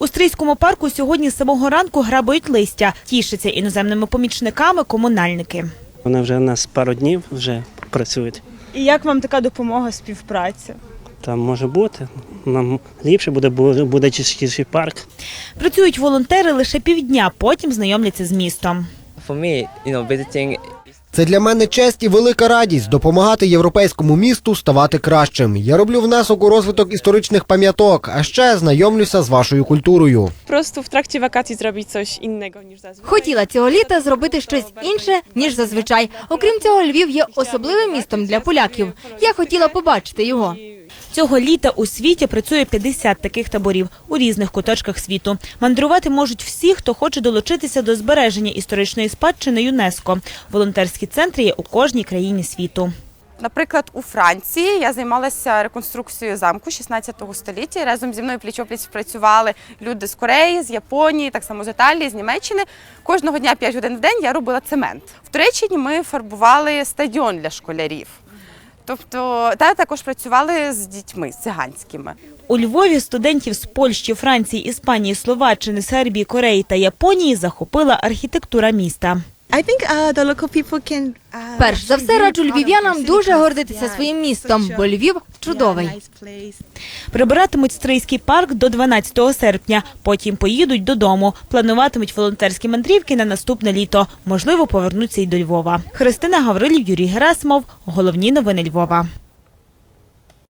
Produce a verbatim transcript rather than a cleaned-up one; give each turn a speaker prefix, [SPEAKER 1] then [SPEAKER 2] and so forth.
[SPEAKER 1] У Стрийському парку сьогодні з самого ранку грабують листя. Тішаться іноземними помічниками комунальники.
[SPEAKER 2] Вони вже у нас пару днів вже працюють.
[SPEAKER 3] І як вам така допомога, співпраця?
[SPEAKER 2] Там може бути, нам ліпше буде, буде чистіший парк.
[SPEAKER 1] Працюють волонтери лише півдня, потім знайомляться з містом.
[SPEAKER 4] For me, you know, visiting
[SPEAKER 5] Це для мене честь і велика радість – допомагати європейському місту ставати кращим. Я роблю внесок у розвиток історичних пам'яток, а ще знайомлюся з вашою культурою.
[SPEAKER 6] Просто в тракті вакацій зробити щось інного, ніж зазвичай.
[SPEAKER 7] Хотіла цього літа зробити щось інше, ніж зазвичай. Окрім цього, Львів є особливим містом для поляків. Я хотіла побачити його.
[SPEAKER 1] Цього літа у світі працює п'ятдесят таких таборів у різних куточках світу. Мандрувати можуть всі, хто хоче долучитися до збереження історичної спадщини ЮНЕСКО. Волонтерські центри є у кожній країні світу.
[SPEAKER 8] Наприклад, у Франції я займалася реконструкцією замку шістнадцятого століття. Разом зі мною пліч-опліч працювали люди з Кореї, з Японії, так само з Італії, з Німеччини. Кожного дня п'ять годин в день я робила цемент. В Туреччині ми фарбували стадіон для школярів. Тобто, та також працювали з дітьми, з циганськими.
[SPEAKER 1] У Львові студентів з Польщі, Франції, Іспанії, Словаччини, Сербії, Кореї та Японії захопила архітектура міста.
[SPEAKER 7] Перш за все, раджу львів'янам дуже гордитися своїм містом, бо Львів чудовий.
[SPEAKER 1] Прибиратимуть Стрийський парк до дванадцятого серпня, потім поїдуть додому. Плануватимуть волонтерські мандрівки на наступне літо. Можливо, повернуться й до Львова. Христина Гаврилів, Юрій Герасимов. Головні новини Львова.